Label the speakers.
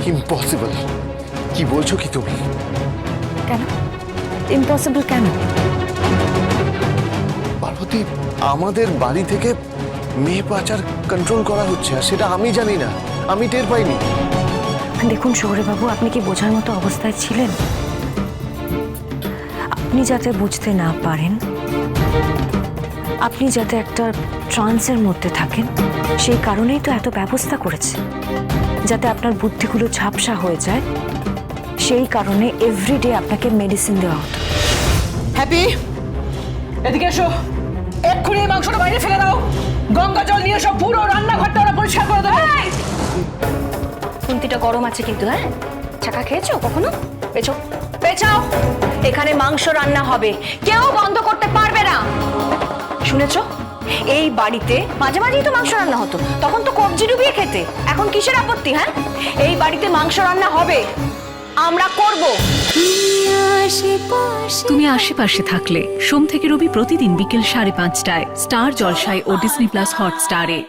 Speaker 1: Impossible. কি বলছো কি তুমি?
Speaker 2: কেন ইম্পসিবল কেন?
Speaker 1: পার্বতী, আমাদের বাড়ি থেকে মেয়ে পাচার কন্ট্রোল করা হচ্ছে, আর সেটা আমি জানি না, আমি টের পাইনি।
Speaker 2: দেখুন শৌর্যবাবু, আপনি কি বোঝার মতো অবস্থায় ছিলেন? আপনি যাতে বুঝতে না পারেন, আপনি যাতে একটা ট্রান্সের মধ্যে থাকেন, সেই কারণেই তো এত ব্যবস্থা করেছে, যাতে আপনার বুদ্ধিগুলো ঝাপসা হয়ে যায়। সেই কারণে এভরিডে আপনাকে মেডিসিন দেওয়া হতো।
Speaker 3: হ্যাপি, এদিকে এসো। এক্ষুনি এই মাংসটা বাইরে ফেলে দাও। গঙ্গা জল নিয়ে সব পুরো রান্নাঘরটা ওরা পরিষ্কার করে দেবে।
Speaker 2: খুন্তিটা গরম আছে কিন্তু। হ্যাঁ, চাকা খেয়েছো কখনো? পেছাও পেছাও, এখানে মাংস রান্না হবে, কেউ বন্ধ করতে পারবে না। শুনেছো? এই বাড়িতে মাঝে মাঝেই তো মাংস রান্না হতো, তখন তো কবজি ডুবিয়ে খেতে। এখন কিসের আপত্তি? হ্যাঁ, এই বাড়িতে মাংস রান্না হবে, আমরা করব।
Speaker 4: তুমি আশেপাশে থাকলে সোম থেকে রবি প্রতিদিন বিকেল 5:30টায় স্টার জলসায় ও ডিজনি প্লাস হটস্টারে।